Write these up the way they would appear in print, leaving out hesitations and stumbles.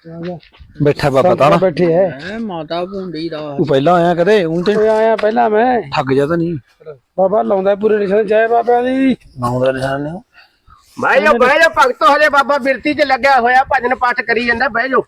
बैठा बाबा ताना बैठे है माता भूंडी दा तू पहला आया कदे हूं ते आया पहला मैं ठग जा तो नहीं बाबा लाउंदा पूरे निशान जय बाबा दी नाउंदा निशान ने ਬਹਿ ਜਾ ਭਗਤੋ ਹਲੇ ਬਾਬਾ ਬਿਰਤੀ ਚ ਲੱਗਿਆ ਹੋਇਆ ਭਜਨ ਪਾਠ ਕਰੀ ਜਾਂਦਾ ਬਹਿ ਜਾ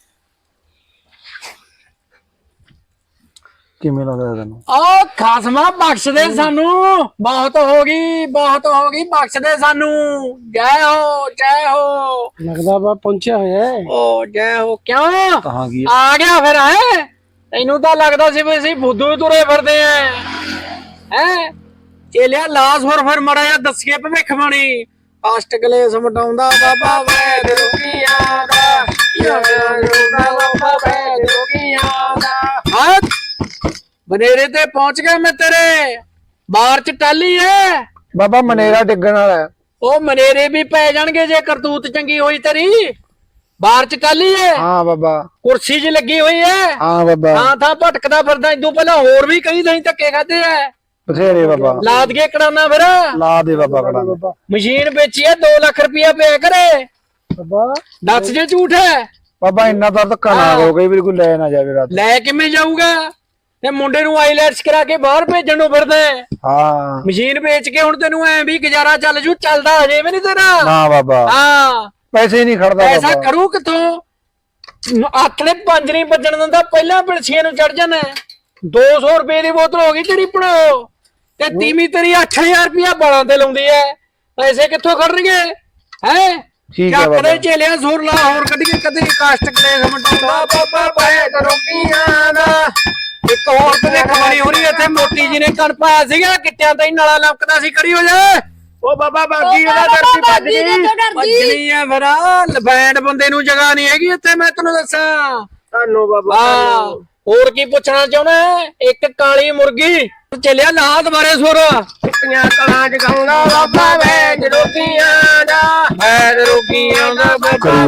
किवें लगदा तैनू ओ खासमा बख्श दे सानू बहुत होगी बख्श दे सानू जय हो लगदा बा पहुंचा होया है ओ जय हो क्यों कहां की आ गया फिर है तैनू तो लगदा सी भी ਅਸੀਂ ਫੁੱਦੂ ਹੀ ਤੁਰੇ ਫਿਰਦੇ ਆ ਹੈ ਚੇਲਿਆ ਲਾਸ ਹੋਰ ਫਿਰ ਮੜਾ ਜਾ ਦੱਸੀਏ ਭਵਿੱਖ ਬਾਣੀ ਅਸ਼ਟ ਕਲੇਸ਼ ਮਟਾਉਂਦਾ ਬਾਬਾ ਵੈਦ ਰੋਗੀਆਂ ਦਾ ਬਾਬਾ ਵੈਦ ਰੋਗੀਆਂ ਦਾ बनेरे ते पहुंच गए मैं तेरे बाहर च टाली है बाबा मनेरा डिगण वाला है ओ मनेरे भी पै जाणगे जे करतूत चंगी होई तेरी बाहर च टाली है हां बाबा कुर्सी च लगी हुई है हां बाबा हां था भटकदा फिरदा इदू पहला होर भी कई दही धक्के खादे है बथेरे बाबा लाद के कड़ाना फिर ला दे बाबा कड़ा मशीन बेची है 2 लाख रुपया पे करे बाबा दस जे झूठ है बाबा इन्ना तो धक्का ना करो कई बिल्कुल ले ना जावे रात ले किवें जाऊगा ਤੇ ਮੁੰਡੇ ਨੂੰ ਆਈਲੈਟਸ ਕਰਾ ਕੇ ਬਾਹਰ ਭੇਜਣ ਨੂੰ ਫਿਰਦਾ ਹਾਂ ਮਸ਼ੀਨ ਵੇਚ ਕੇ ਹੁਣ ਤੈਨੂੰ ਐ ਵੀ ਗੁਜ਼ਾਰਾ ਚੱਲ ਜੂ ਚੱਲਦਾ ਹਜੇ ਵੀ ਨਹੀਂ ਤੇਰਾ ਨਾ ਬਾਬਾ ਹਾਂ ਪੈਸੇ ਨਹੀਂ ਖੜਦਾ ਪੈਸਾ ਬਾਬਾ ਕਰੂ ਕਿੱਥੋਂ ਆਥਲੇ 5 ਨਹੀਂ ਵੱਜਣ ਦਿੰਦਾ ਪਹਿਲਾਂ ਪਿਲਸੀਆਂ ਨੂੰ ਚੜ ਜਾਣਾ 200 ਰੁਪਏ ਦੀ ਬੋਤਲ ਹੋ ਗਈ ਤੇਰੀ ਪੜੋ ਤੇ ਤੀਵੀਂ ਤੇਰੀ 8000 ਰੁਪਇਆ ਬਾਲਾਂ ਤੇ ਲਾਉਂਦੀ ਐ ਪੈਸੇ ਕਿੱਥੋਂ ਖੜਨਗੇ ਹੈ ਠੀਕ ਹੈ ਬਾਬਾ ਕਦੇ ਚੇਲਿਆ ਸੁਰ ਲਾ ਹੋਰ ਕਦੀ ਕਦੇ ਕਾਸ਼ਟ ਕਲੇਸ਼ ਮਟਾਉਂਦਾ ਬਾਬਾ ਬੈਠ ਰੋਕੀਆਂ ਦਾ ਇੱਕ ਹੋਰ ਤੇ ਕਮਾਣੀ ਹੋਣੀ ਇੱਥੇ ਮੋਟੀ ਜੀ ਨੇ ਕਣ ਪਾਇਆ ਸੀਗਾ ਕਿੱਟਿਆਂ ਤੇ ਨਾਲਾ ਲੰਕਦਾ ਸੀ ਕੜੀ ਹੋ ਜਾ ਉਹ ਬਾਬਾ ਬਾਗੀ ਉਹਦਾ ਦਰਦੀ ਭੱਜ ਗਈ ਭੱਜਣੀ ਆ ਫਿਰ ਲਬੈਂਡ ਬੰਦੇ ਨੂੰ ਜਗ੍ਹਾ ਨਹੀਂ ਹੈਗੀ ਇੱਥੇ ਮੈਂ ਤੈਨੂੰ ਦੱਸਾਂ ਧੰਨੋ ਬਾਬਾ ਹੋਰ ਕੀ ਪੁੱਛਣਾ ਚਾਹੁੰਦਾ ਇੱਕ ਕਾਲੀ ਮੁਰਗੀ ਚੱਲਿਆ ਲਾ ਦੁਬਾਰੇ ਸੁਰ ਕਿਤਨੀਆਂ ਕਲਾਂ ਜਗਾਉਂਦਾ ਬਾਬਾ ਵੈਦ ਰੋਗੀਆਂ ਦਾ ਵੈਦ ਰੋਗੀਆਂ ਦਾ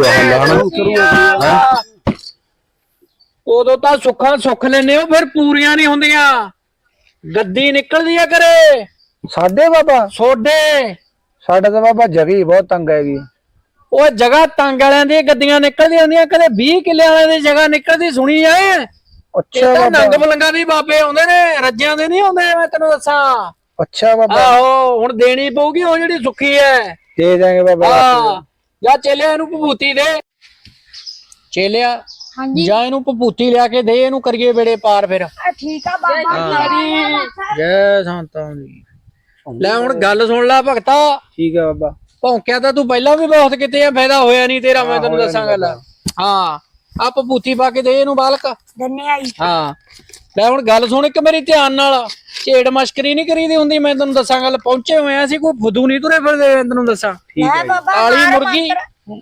ਬਾਬਾ ਉਦੋਂ ਤਾਂ ਸੁੱਖਾਂ ਸੁੱਖ ਲੈਨੇ ਹੋ ਫਿਰ ਪੂਰੀਆਂ ਨਹੀਂ ਹੁੰਦੀਆਂ ਗੱਦੀ ਨਿਕਲਦੀ ਆ ਕਰੇ ਸਾਡੇ ਬਾਬਾ ਸੋਡੇ ਸਾਡੇ ਤਾਂ ਬਾਬਾ ਜਗੀ ਬਹੁਤ ਤੰਗ ਹੈਗੀ ਉਹ ਜਗ੍ਹਾ ਤੰਗ ਵਾਲਿਆਂ ਦੀਆਂ ਗੱਡੀਆਂ ਨਿਕਲਦੀਆਂ ਹੁੰਦੀਆਂ ਕਦੇ 20 ਕਿੱਲੇ ਵਾਲਿਆਂ ਦੀ ਜਗ੍ਹਾ ਨਿਕਲਦੀ ਸੁਣੀ ਐ ਅੱਛਾ ਬਾਬਾ ਨੰਗ ਮਲੰਗਾ ਦੀ ਬਾਬੇ ਆਉਂਦੇ ਨੇ ਰੱਜਿਆਂ ਦੇ ਨਹੀਂ ਆਉਂਦੇ ਮੈਂ ਤੈਨੂੰ ਦੱਸਾਂ ਅੱਛਾ ਬਾਬਾ ਆਹੋ ਹੁਣ ਦੇਣੀ ਪਊਗੀ ਉਹ ਜਿਹੜੀ ਸੁੱਖੀ ਐ ਦੇ ਦਾਂਗੇ ਬਾਬਾ ਹਾਂ ਜਾ ਚੇਲਿਆ ਇਹਨੂੰ ਭਭੂਤੀ ਦੇ ਚੇਲਿਆ ਹਾਂਜੀ ਜਾ ਇਹਨੂੰ ਭਭੂਤੀ ਲਿਆ ਕੇ ਦੇ ਇਹਨੂੰ ਕਰੀਏ ਵੇੜੇ ਪਾਰ ਫਿਰ ਠੀਕ ਆ ਬਾਬਾ ਜੈ ਸੰਤਾਂ ਦੀ ਲੈ ਹੁਣ ਗੱਲ ਸੁਣ ਲੈ ਭਗਤਾ ਠੀਕ ਹੈ ਬਾਬਾ ਭੌਂਕਿਆ ਤਾਂ ਤੂੰ ਪਹਿਲਾਂ ਵੀ ਬਹੁਤ ਕਿਤੇ ਆ ਫਾਇਦਾ ਹੋਇਆ ਨਹੀਂ ਤੇਰਾ ਮੈਂ ਤੈਨੂੰ ਦੱਸਾਂ ਗੱਲ ਹਾਂ ਆ ਭਭੂਤੀ ਪਾ ਕੇ ਦੇ ਇਹਨੂੰ ਬਾਲਕ ਦੰਨੇ ਆਈ ਹਾਂ ਲੈ ਹੁਣ ਗੱਲ ਸੁਣ ਇੱਕ ਮੇਰੀ ਧਿਆਨ ਨਾਲ ਝੇੜ ਮਸ਼ਕਰੀ ਨਹੀਂ ਕਰੀਦੀ ਹੁੰਦੀ ਮੈਂ ਤੈਨੂੰ ਦੱਸਾਂ ਗੱਲ ਪਹੁੰਚੇ ਹੋਏ ਆ ਅਸੀਂ ਕੋਈ ਫੁੱਦੂ ਨਹੀਂ ਤੁਰੇ ਫਿਰਦੇ ਤੈਨੂੰ ਦੱਸਾਂ ਠੀਕ ਹੈ ਕਾਲੀ ਮੁਰਗੀ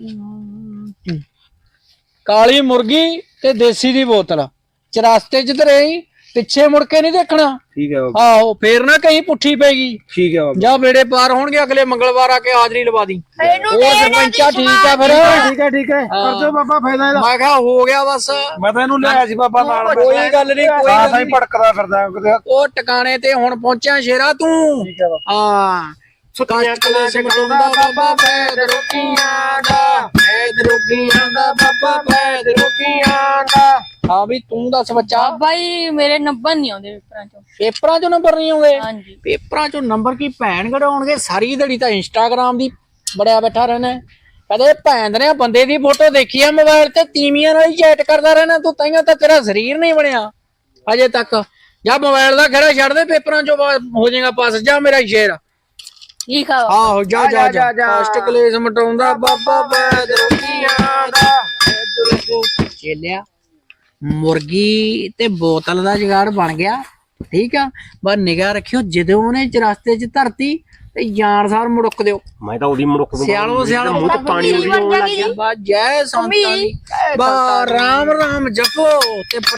ਕਾਲੀ ਮੁਰਗੀ ਤੇ ਦੇਸੀ ਦੀ ਬੋਤਲ ਚਰਸਤੇ ਚ ਤੇ ਰਹੀ ਪਿੱਛੇ ਮੁੜ ਕੇ ਨਹੀਂ ਦੇਖਣਾ ਠੀਕ ਹੈ ਬਾਬਾ ਆਹੋ ਫੇਰ ਨਾ ਕहीं ਪੁੱਠੀ ਪੈਗੀ ਠੀਕ ਹੈ ਬਾਬਾ ਜਾ ਵੇੜੇ ਪਾਰ ਹੋਣਗੇ ਅਗਲੇ ਮੰਗਲਵਾਰ ਆ ਕੇ ਹਾਜ਼ਰੀ ਲਵਾ ਦੀ ਉਹ ਸਰਪੰਚਾ ਠੀਕ ਆ ਫਿਰ ਠੀਕ ਹੈ ਕਰ ਦਿਓ ਬਾਬਾ ਫਾਇਦਾ ਇਹਦਾ ਮੈਂ ਕਿਹਾ ਹੋ ਗਿਆ ਬਸ ਮੈਂ ਤਾਂ ਇਹਨੂੰ ਲਿਆਇਆ ਸੀ ਬਾਬਾ ਨਾਲ ਕੋਈ ਗੱਲ ਨਹੀਂ ਕੋਈ ਹਾਂ ਗੱਲ ਸਹੀ ਨੀ। ਭਟਕਦਾ ਫਿਰਦਾ ਕਿਤੇ ਉਹ ਟਿਕਾਣੇ ਤੇ ਹੁਣ ਪਹੁੰਚਿਆ ਸ਼ੇਰਾ ਤੂੰ ਠੀਕ ਹੈ ਬਾਬਾ ਹਾਂ ਸੁੱਤੀਆਂ ਕਲੇਸ਼ ਮਟਾਉਂਦਾ ਬਾਬਾ ਵੈਦ ਰੋਗੀਆਂ ਦਾ ਵੈਦ ਰੋਗੀਆਂ ਦਾ ਬਾਬਾ ਵੈਦ ਰੋਗੀਆਂ ਦਾ ਹਾਂ ਵੀ ਤੂੰ ਦੱਸ ਬੱਚਾ ਬਾਈ ਮੇਰੇ ਨੰਬਰ ਨਹੀਂ ਆਉਂਦੇ ਪੇਪਰਾਂ ਚੋਂ ਨੰਬਰ ਨਹੀਂ ਆਉਂਦੇ ਹਾਂਜੀ ਪੇਪਰਾਂ ਚੋਂ ਨੰਬਰ ਕੀ ਭੈਣ ਕਢਾਉਣਗੇ ਸਾਰੀ ਦਿਹਾੜੀ ਤਾਂ ਇੰਸਟਾਗ੍ਰਾਮ ਦੀ ਬੜਿਆ ਬੈਠਾ ਰਹਿਣਾ ਕਦੇ ਭੈਣ ਦੇ ਬੰਦੇ ਦੀ ਫੋਟੋ ਦੇਖੀ ਆ ਮੋਬਾਈਲ ਤੇ ਤੀਵੀਆਂ ਨਾਲ ਹੀ ਚੈਟ ਕਰਦਾ ਰਹਿਣਾ ਤੂੰ ਤਾਈਆਂ ਤਾਂ ਤੇਰਾ ਸਰੀਰ ਨਹੀਂ ਬਣਿਆ ਅਜੇ ਤੱਕ ਜਾਂ ਮੋਬਾਈਲ ਦਾ ਖੜਾ ਛੱਡ ਦੇ ਪੇਪਰਾਂ ਚੋਂ ਹੋ ਜਾਏਗਾ ਪਾਸ ਜਾ ਮੇਰਾ ਸ਼ੇਰ ਠੀਕ ਆ ਆਹੋ ਜਾ ਜਾ ਜਾ ਕਾਸ਼ਟ ਕਲੇਸ਼ ਮਟਾਉਂਦਾ ਬਾਬਾ ਵੈਦ ਰੋਗੀਆਂ ਦਾ ਚੇਲਿਆ ਮੁਰਗੀ ਤੇ ਬੋਤਲ ਦਾ ਜੁਗਾੜ ਬਣ ਗਿਆ ਠੀਕ ਆ ਬਸ ਨਿਗਾਹ ਰੱਖਿਓ ਜਦੋਂ ਉਹਨੇ ਚਰਸਤੇ ਚ ਧਰਤੀ ਤੇ ਜਾਨ ਸਾਰ ਮੁੜਕ ਦਿਓ ਮੈਂ ਤਾਂ ਉਹਦੀ ਮੁੜਕ ਨੂੰ ਸਿਆਲੋ ਸਿਆਲੋ ਮੂੰਹ ਤੇ ਪਾਣੀ ਬਣ ਆਉਣ ਲੱਗ ਗਿਆ ਬਾ ਜੈ ਸੰਤਾਂ ਦੀ ਬਾ ਰਾਮ ਰਾਮ ਜਪੋ ਤੇ